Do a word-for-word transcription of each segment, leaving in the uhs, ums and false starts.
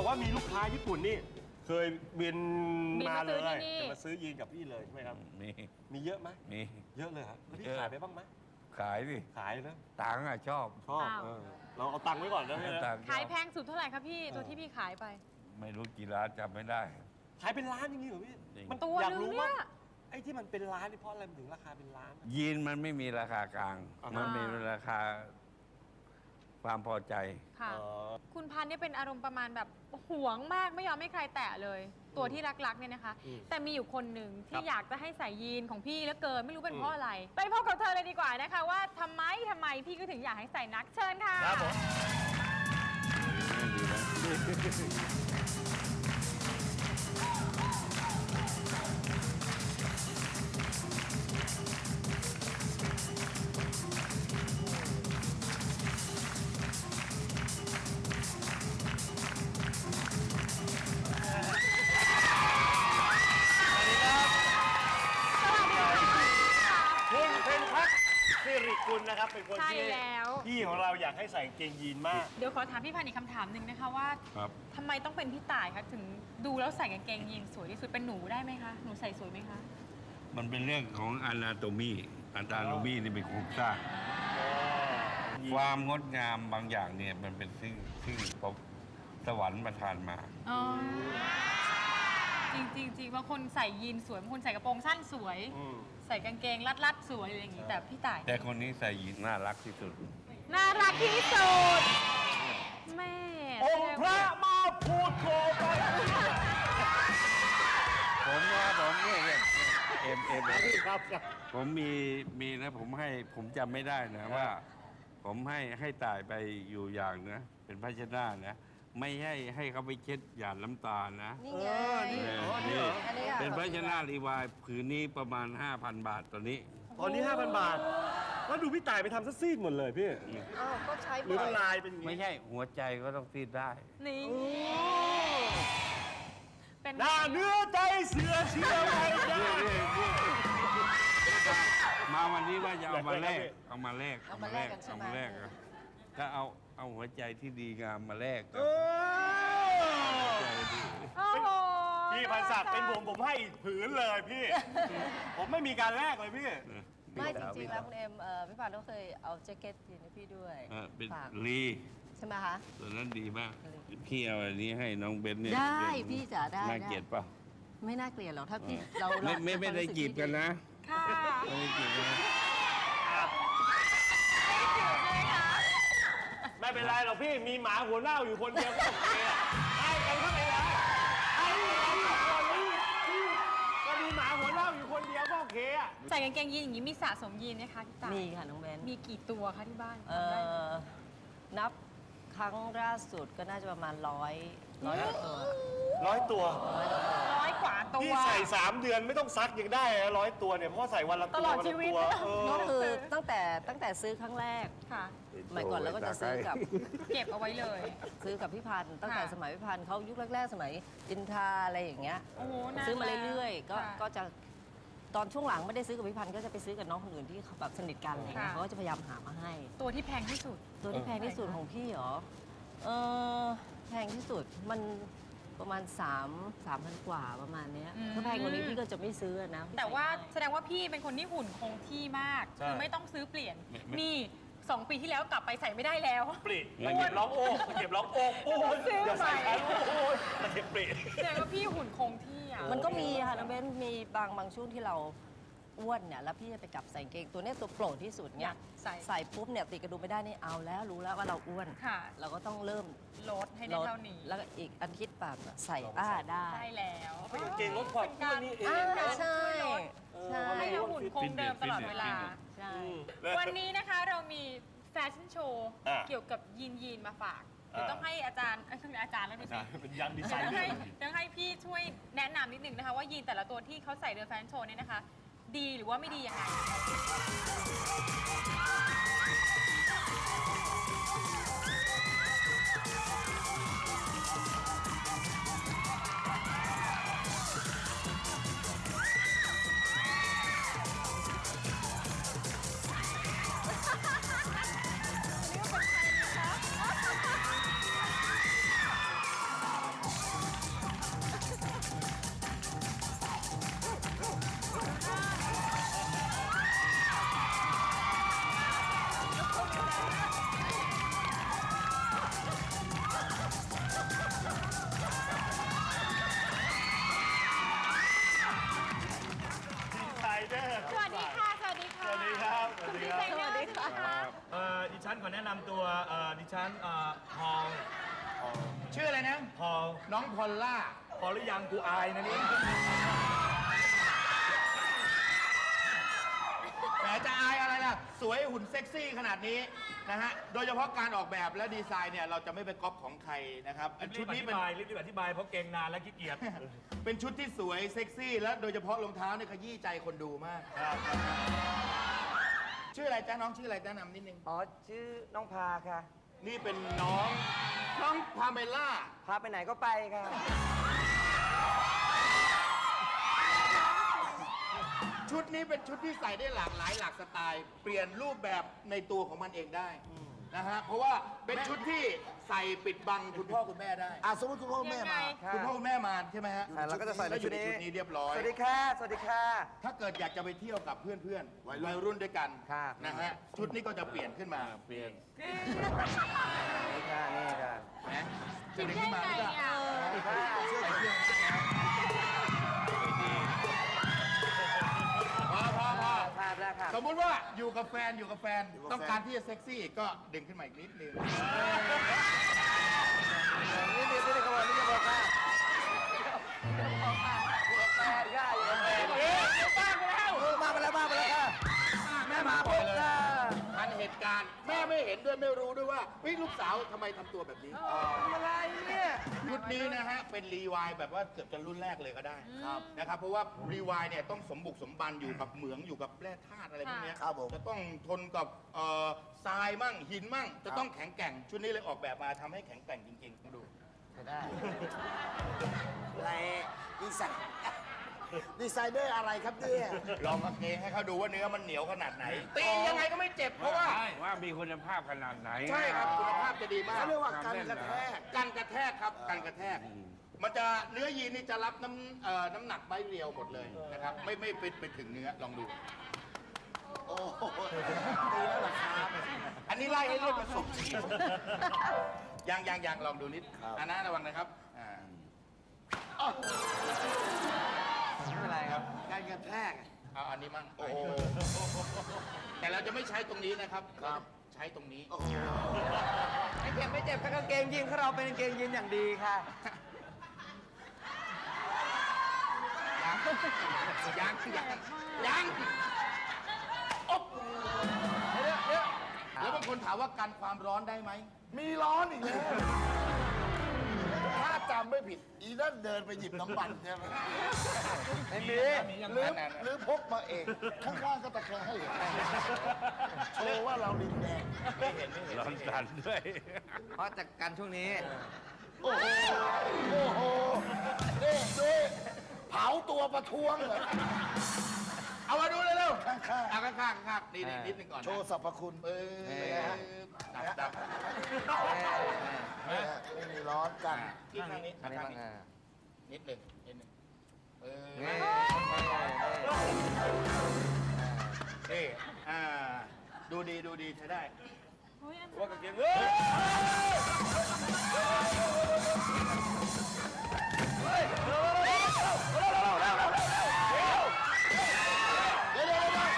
บอกว่ามีลูกค้าญี่ปุ่นนี่เคยบินบินมามาเลซื้อย ที่นี่จะมาซื้อยีนกับพี่เลยใช่ไหมครับมีมีเยอะไหมมีเยอะเลยครับแล้วพี่เยอะขายไปบ้างไหมขายดิขายนะตังค์อะชอบชอบอ้าวเออเราเอาตังค์ไว้ก่อนนะพี่นะตังค์ชอบขายแพงสุดเท่าไหร่คะพี่ตัวที่พี่ขายไปไม่รู้กี่ร้านจำไม่ได้ขายเป็นล้านอย่างนี้เหรอพี่จริงมันตัวอยากนึงรู้เนี่ว่าย ไอ้ที่มันเป็นล้านนี่เพราะอะไรมันถึงราคาเป็นล้านยีนมันไม่มีราคากลางอ่ามัมันมีราคาความพอใจค่ะเออคุณพันธุ์เนี่ยเป็นอารมณ์ประมาณแบบหวงมากไม่ยอมให้ใครแตะเลย ตัวที่รักๆเนี่ยนะคะอืมแต่มีอยู่คนหนึ่งคที่รับอยากจะให้ใส่ยีนของพี่แล้วเกินไม่รู้เป็นอืมเพราะอะไร ไปพบกับเธอเลยดีกว่านะคะ ว่าทำไมทำไมพี่ก็ถึงอยากให้ใส่นักเชิญค่ะครับผม คุณเพนพักสิริกุลนะครับ เป็นคนใช่ที่แล้วพี่ของเราอยากให้ใส่กางเกงยีนมากเดี๋ยวขอถามพี่พันธุ์อีกคำถามหนึ่งนะคะว่าครับทำไมต้องเป็นพี่ต่ายคะถึงดูแล้วใส่กางเกงยีนสวยที่สุดเป็นหนูได้ไหมคะหนูใส่สวยไหมคะมันเป็นเรื่องของอนาโตมีอนาโตมีนี่เป็นโครงสร้าง ความงดงามบางอย่างเนี่ยมันเป็นซึ่งซึ่งพบสวรรค์ประทานมาอ๋อจริงจริงจริงบางคนใส่ยีนสวยบางคนใส่กระโปรงสั้นสวยอืมใส่กางเกงรัดๆสวยอะไรอย่างงี้แต่พี่ต่ายแต่คนนี้ใส่ยีนน่ารักที่สุดน่ารักที่สุดแม่องค์พระมาพูดโคไปผมนะผมเนี่ยเนี่ยเอ็มเอ็มครับครับผมมีมีนะผมให้ผมจำไม่ได้นะว่า ผมให้ให้ตายไปอยู่อย่างนะ เป็นภาชนะนะ ไม่ให้ให้เขาไปเช็ดหยาดน้ำตานะนี่ไงเอออ๋อนี่นี่เหรออันนี้อะเป็นภาชนะรีวายผืนนี้ประมาณ ห้าพัน บาทตอนนี้ตอนนี้ ห้าพัน บาท แล้วดูพี่ต่ายไปทำซะซีดหมดเลยพี่อ้าวก็ใช้หรือบ่อมันยลายเป็นอย่างไม่นี้ใช่หัวใจก็ต้องซีดได้นี่เป็นหน้าเนื้อใจเสือเชื่อไว้ได้มาวันนี้ว่าจะเอามาแลกอยากได้ครับพี่เอามาแลกเอามาแลกกันใช่ไหมเอามาแลกอะถ้าเอาเอาหัวใจที่ดีงามมาแลกเอกับอใจดีโอ้โหพี่พันศักดิ์เป็นผมผมให้อีกผืนเลยพี่ ผมไม่มีการแลกเลยพี่ไม่จริงๆแล้วคุณเอ็มเอ่อพี่ปานก็เคยเอาแจ็คเก็ตยีนให้พี่ด้วยเออเป็นฝากลีใช่ไหมคะตัวนั้นดีมาก พี่เอาอันนี้ให้น้องเบนเนี่ยได้เบนพี่จ๋าได้น่าเกลียดเปล่าไม่น่าเกลียดหรอกถ้าพี่เราไม่เราไม่ไม่ได้จีบกันนะค่ะไม่ได้จีบกันนะไม่เป็นไรหรอกพี่มีหมาหัวเน่าอยู่คนเดียวก็โอเคอะให้กันเข้าไปแล้วให้กันอยู่คนนี้ก็มีหมาหัวเน่าอยู่คนเดียวก็โอเคอะใส่กางเกงยีนอย่างนี้มีสะสมยีนไหมคะพี่ต่ายมีค่ะน้องเบนมีกี่ตัวคะที่บ้านเอ่อนับครั้งล่าสุดก็น่าจะประมาณร้อยร้อยกว่าตัวร้อยตัวร้อยกว่าตัวพี่ใส่สามเดือนไม่ต้องซักยังได้นะร้อยตัวเนี่ยเพราะว่าใส่วันละตัวตลอดวันชีละวิตตัวเออก็คือตั้งแต่ตั้งแต่ซื้อครั้งแรกค่ะสมัยก่อนเราก็จะซื้อกับเก็บเอาไว้เลยซื้อกับพี่พันธุ์ตั้งแต่ค่ะสมัยพี่พันธุ์เขายุคแรกๆ สมัยอินทาอะไรอย่างเงี้ยโอ้โหนานซื้อมาเรื่อยๆ ก็ค่ะก็จะตอนช่วงหลังไม่ได้ซื้อกับพี่พันธุ์ก็จะไปซื้อกับน้องคนอื่นที่เขาแบบสนิทกันอะไรเงี้ยค่ะเขาก็จะพยายามหามาให้ตัวที่แพงที่สุดตัวที่แพงที่สุดของพี่เหรอ เออแพงที่สุดมันประมาณ3 3,000 กว่าประมาณเนี้ยอืมถ้าแพงกว่านี้พี่ก็จะไม่ซื้อนะแต่ว่าแสดงว่าพี่เป็นคนที่หุ่นคงที่มากใช่คือไม่ต้องซื้อเปลี่ยนไม่ไม่นี่สองปีที่แล้วกลับไปใส่ไม่ได้แล้วปริตะเก็บร้องโอ้ตะเก็บร้องโอ้โอ้ยซื้ออย่าใส่ใหม่กันโอ้ยตะเก็บปริแสดงว่าพี่หุ่นคงที่อ่ะมันก็มีค่ะน้องเบนมีบางบางช่วงที่เราอ้วนเนี่ยแล้วพี่จะไปกลับใส่กางเกงตัวเนี้ยตัวโปรดที่สุดอเนี่ยยากใส่ใส่ปุ๊บเนี่ยติดกระดุมไม่ได้นี่เอาแล้วรู้แล้วว่าเราอ้วนค่ะเราก็ต้องเริ่มลดให้ได้เท่านี้แล้วก็อีกอาทิตย์แบบใส่อ้าได้ได้แล้วเป็นกางเกงลดความอ้วนนี่เองอ่าการใช่ช่วยลดใช่ให้เราหุ่นคงเดิมตลอดเวลาใช่วันนี้นะคะเรามีแฟชั่นโชว์อ่ะเกี่ยวกับยีนยีนมาฝากเดี๋ยวอ่ะต้องให้อาจารย์เอ้ยต้องอาจารย์แล้วดูสิเป็นยันดีไซเดี๋ยวน์ต้องเลให้ยต้องให้พี่ช่วยแนะนำนิดนึงนะคะว่ายีนแต่ละตัวที่เขาใส่เดินแฟชั่นโชว์เนี่ยนะคะ ดีหรือว่าไม่ดียังไงขอแนะนำตัวเอ่อดิฉันเอ่อพอลชื่ออะไรนะพอลน้องพอลล่าพอหรือยังกูอายนะนี่แหมจะอายอะไรล่ะ สวยหุ่นเซ็กซี่ขนาดนี้นะฮะ โดยเฉพาะการออกแบบและดีไซน์เนี่ยเราจะไม่ไปก๊อปของใครนะครับชุชุดดนี้นี้เป็เป็น นรีบอธิบายเพราะเก่งนานและขี้เกียจเป็นชุดที่สวยเซ็กซี่ และโดยเฉพาะรองเท้าเนี่ยขยี้ใจคนดูมาก ชื่ออะไรจ้าน้องชื่ออะไรจ้านำนิดนึงอ๋อ ชื่อน้องพาค่ะนี่เป็นน้องน้องพาเมล่าพาไปไหนก็ไปค่ะชุดนี้เป็นชุดที่ใส่ได้หลากหลายหลากสไตล์ เปลี่ยนรูปแบบในตัวของมันเองได้นะฮะ เพราะว่าเป็นชุดที่ใส่ปิดบังคุณพ่อคุณแม่ได้อ่ะสมมติคุณพ่อคุณแม่ยังไงมาคุณพ่อคุณแม่มาใช่ไหมฮะอ่ะเราก็จะใส่ในแล้วอชุยู่ดในนี้ชุดนี้เรียบร้อยสวัสดีค่ะ สวัสดีค่ะถ้าเกิดอยากจะไปเที่ยวกับเพื่อนๆ วัยรุ่นด้วยกันค่ะนะฮะ ชุดนี้ก็จะเปลี่ยนขึ้นมาเปลี่ยนนี่ค่ะ นี่ค่ะนะคิจะดดึงได้ขึ้นมาไงก็อ่ะค่ะเชื่อเชื่อพอพอพอภาพแล้วค่ะสมมุติว่าอยู่กับแฟนอยู่กับแฟน ต้องการที่จะเซ็กซี่ก็ดึงขึ้นมาอีกนิดนึงนี่นี่นี่ขบวนนี่ขบวนค่ะแฟนค่ะอยู่กับแฟนเอ๊ะบ้าไปแล้วเออมาไปแล้วมาไปแล้วค่ะแม่มาปุ๊บค่ะทันเหตุการณ์แม่ไม่เห็นด้วยไม่รู้ด้วยว่าเฮ้ยลูกสาวทำไมทำตัวแบบนี้อะไรเนี่ยชุดนี้นะฮะเป็นรีวายแบบว่าเกือบจะรุ่นแรกเลยก็ได้นะครับเพราะว่ารีวายเนี่ยต้องสมบุกสมบันอยู่กับเหมืองอยู่กับแร่ธาตุอะไรพวกเนี้ยครับผมจะต้องทนกับเอ่อทรายมั่งหินมั่ง จะต้องแข็งแกร่งชุดนี้เลยออกแบบมาทำให้แข็งแกร่งจริงๆดูได้อะไรดีไซน์ดีไซเนอร์อะไรครับเนี่ยลองกางเกงให้เขาดูว่าเนื้อมันเหนียวขนาดไหนตียังไงก็ไม่เจ็บเพราะว่าว่ามีคุณภาพขนาดไหนใช่ครับคุณภาพจะดีมากเขาเรียกว่าการกระแทกกันกระแทกครับกันกระแทก มันจะเนื้อยีนนี่จะรับน้ำเอ่อน้ำหนักใบเรียวหมดเลยนะครับไม่ไม่ไปไปถึงเนื้อลองดูโอ้โหตีแล้วเหรอครับอันนี้ไล่ให้เลือดผสมชีสยังยังยังลองดูนิดอันนั้นระวังนะครับอ่าไม่เป็นไรครับการกระแทกเอาอันนี้มั่งโอ้โหแต่เราจะไม่ใช้ตรงนี้นะครับครับใช้ตรงนี้ไม่เจ็บไม่เจ็บค่ะกางเกงยีนของเราเป็นกางเกงยีนอย่างดีค่ะยังยังยังยังโอ๊บแล้วบางคนถามว่ากันความร้อนได้ไหมมีร้อนอีกแล้ว ถ้าจำไม่ผิด อีนั่นเดินไปหยิบน้ำมันใช่ไหมไม่มีหรือหรือพกมาเอง ข้างๆก็ตะแคงให้เห็นโชว์ว่าเราดินแดงไม่เห็นไม่เห็นร้อนสันด้วยเพราะจากการช่วงนี้โอ้โห โอ้โหนี่ดูเผาตัวประท้วงเลยเอามาดูเร็วๆข้างๆเอาข้างๆข้างๆนี่นี่นิดนึงก่อนนะโชว์สรรพคุณเออดับดับไม่ฮะไม่มีร้อนกันที่ข้างนี้อันนี้ข้างบ้างนี้อ่านิดหนึ่งนิดหนึ่งเออนี่นี่อ่าดูดีดูดีใช้ได้ว่ากางเกงเอ้ยเดี๋ยวเดี๋ยวเดี๋ยว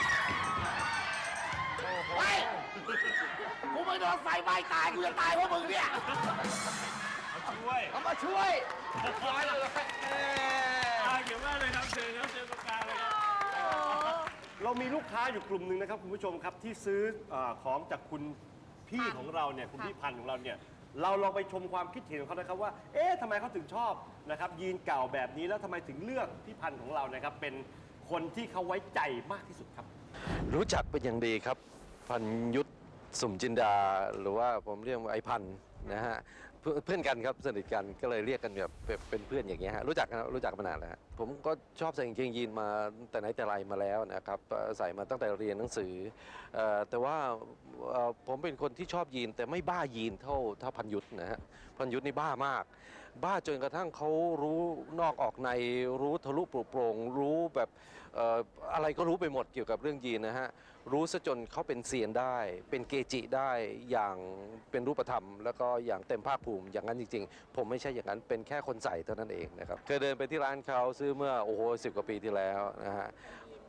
เฮ้ยกูไม่โดนไฟไหม้ตาย กูจะตายเพราะมึงเนี่ยช่วยเอามาช่วยร้อยเลยอ่าเกี่ยวมากเลยครับเชิญครับเชิญตรงกลางเลยครับ เรามีลูกค้าอยู่กลุ่มหนึ่งนะครับคุณผู้ชมครับที่ซื้อเออของจากคุณพี่ของเราเนี่ยคุณพี่พันธุ์ของเราเนี่ยเราลองไปชมความคิดเห็นของเขานะครับว่าเอ๊ะทำไมเขาถึงชอบนะครับยีนเก่าแบบนี้แล้วทำไมถึงเลือกพี่พันธุ์ของเรานะครับเป็นคนที่เขาไว้ใจมากที่สุดครับรู้จักเป็นอย่างดีครับ พันยุทธสุ่มจินดา หรือว่าผมเรียกว่าไอ้พันนะฮะเพื่อนเพื่อนกันครับสนิทกันก็เลยเรียกกันแบบเป็นเป็นเพื่อนอย่างเงี้ยฮะรู้จักกันรู้จักกันมานานแล้วฮะผมก็ชอบใส่กางเกงยีนมาแต่ไหนแต่ไรมาแล้วนะครับเอ่อใส่มาตั้งแต่เรียนหนังสือเอ่อแต่ว่าเอ่อผมเป็นคนที่ชอบยีนแต่ไม่บ้ายีนเท่าเท่าพันยุทธนะฮะพันยุทธนี่บ้ามาก บ้าจนกระทั่งเขารู้นอกออกในรู้ทะลุปลุกโปร่งรู้แบบเอ่ออะไรก็รู้ไปหมดเกี่ยวกับเรื่องยีนนะฮะรู้ซะจนเขาเป็นเซียนได้ เป็นเกจิได้อย่างเป็นรูปธรรม แล้วก็อย่างเต็มภาคภูมิอย่างนั้นจริงๆ ผมไม่ใช่อย่างนั้นเป็นแค่คนใส่เท่านั้นเองนะครับเคยเดินไปที่ร้านเขาซื้อเมื่อโอ้โหสิบกว่าปีที่แล้วนะฮะ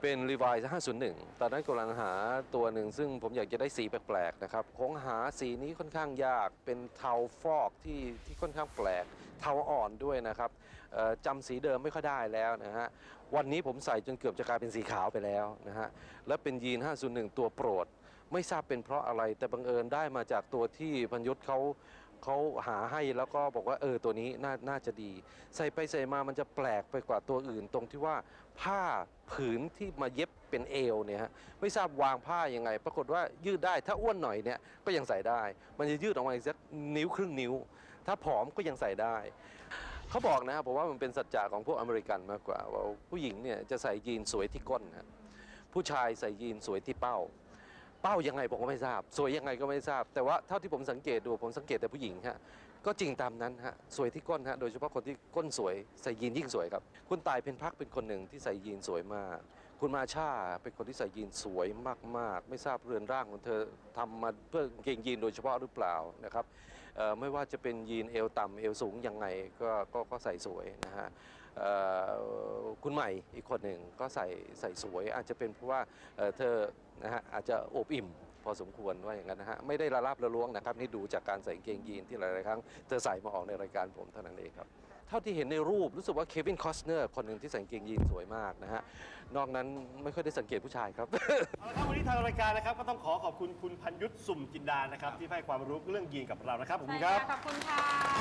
เป็น Levi's ห้าศูนย์หนึ่ง ตอนนั้นกำลังหาตัวหนึ่งซึ่งผมอยากจะได้สีแปลกๆนะครับคงหาสีนี้ค่อนข้างยากเป็นเทาฟอกที่ที่ค่อนข้างแปลกเทาอ่อนด้วยนะครับเอ่อจำสีเดิมไม่ค่อยได้แล้วนะฮะวันนี้ผมใส่จนเกือบจะกลายเป็นสีขาวไปแล้วนะฮะและเป็นยีน ห้าศูนย์หนึ่ง ตัวโปรดไม่ทราบเป็นเพราะอะไรแต่บังเอิญได้มาจากตัวที่พันยุทธ์เขาเขาหาให้แล้วก็บอกว่าเออตัวนี้น่าน่าจะดี ใส่ไปใส่มามันจะแปลกไปกว่าตัวอื่นตรงที่ว่าผ้าผืนที่มาเย็บเป็นเอวเนี่ยฮะไม่ทราบวางผ้ายังไง ปรากฏว่ายืดได้ถ้าอ้วนหน่อยเนี่ยก็ยังใส่ได้ มันจะยืดออกมาอีกสักนิ้วครึ่งนิ้ว ถ้าผอมก็ยังใส่ได้ เขาบอกนะครับผมว่ามันเป็นสัจจะของพวกอเมริกันมากกว่าว่าผู้หญิงเนี่ยจะใส่ยีนสวยที่ก้นนะผู้ชายใส่ยีนสวยที่เป้า เป้ายังไงผมก็ไม่ทราบ สวยยังไงก็ไม่ทราบ แต่ว่าเท่าที่ผมสังเกตดูผมสังเกตแต่ผู้หญิงฮะก็จริงตามนั้นฮะสวยที่ก้นฮะโดยเฉพาะคนที่ก้นสวยใส่ยีนยิ่งสวยครับคุณตายเพ็ญพักเป็นคนหนึ่งที่ใส่ยีนสวยมาก คุณมาชาเป็นคนที่ใส่ยีนสวยมากๆ ไม่ทราบเรือนร่างของเธอทำมาเพื่อกางเกงยีนโดยเฉพาะหรือเปล่านะครับเอ่อไม่ว่าจะเป็นยีนเอวต่ำเอวสูงยังไงก็ก็ก็ใส่สวยนะฮะเอ่อคุณใหม่อีกคนหนึ่งก็ใส่ใส่สวยอาจจะเป็นเพราะว่าเอ่อเธอนะฮะอาจจะอบอิ่มพอสมควรว่าอย่างนั้นนะฮะไม่ได้ละลาบละล้วงนะครับนี่ดูจากการใส่กางเกงยีนที่หลายๆครั้งเธอใส่มาออกในรายการผมเท่านั้นเองครับเท่าที่เห็นในรูปรู้สึกว่าเควินคอสเนอร์คนหนึ่งที่ใส่กางเกงยีนสวยมากนะฮะนอกนั้นไม่ค่อยได้สังเกตผู้ชายครับเอาละครับวันนี้ทางรายการนะครับก็ต้องขอขอบคุณคุณพันยุทธสุ่มจินดานะครับที่ให้ความรู้เรื่องยีนกับเรานะครับขอบคุใช่ณคค่ะรับขอบคุณค่ะ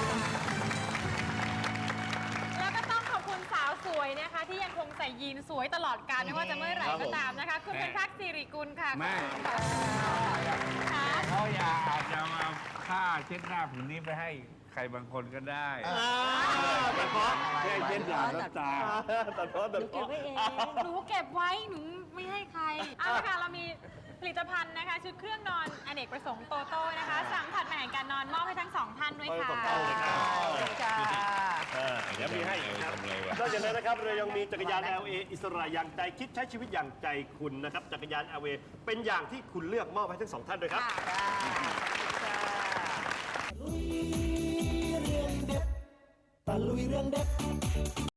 แล้วก็ต้องขอบคุณสาวสวยนะคะ ที่ยังคงใส่ยีนสวยตลอดกาลไม่ว่าจะเมื่อไหร่ก็ตามนะคะ คุณเป็นพักสิริกุลค่ะไม่ค่ะเขาอยากอาจจะเอาผ้าเช็ดหน้าผืนนี้ไปให้ใครบางคนก็ได้ตัดเพาะแค่เช็ดหน้าน้ำตาตัดเพาะตัดเก็บเพาะไว้เองหนูเก็บไว้หนูไม่ให้ใครเอาละค่ะเรามีผลิตภัณฑ์นะคะ ชุดเครื่องนอนอเนกประสงค์โตโต้นะคะสั่งผัดแหม่งการนอนมอบให้ทั้งสองท่านด้วยค่ะขอบคุณครับค่ะเออเดี๋ยวมีให้อีกครับทำไงวะนอกจากนั้นนะครับเรายังมีจักรยาน แอล เอ อิสระอย่างใจคิดใช้ชีวิตอย่างใจคุณนะครับจักรยาน แอล เอ เป็นอย่างที่คุณเลือกมอบให้ทั้งสองท่านด้วยครับตะลุยเรื่องเด็ด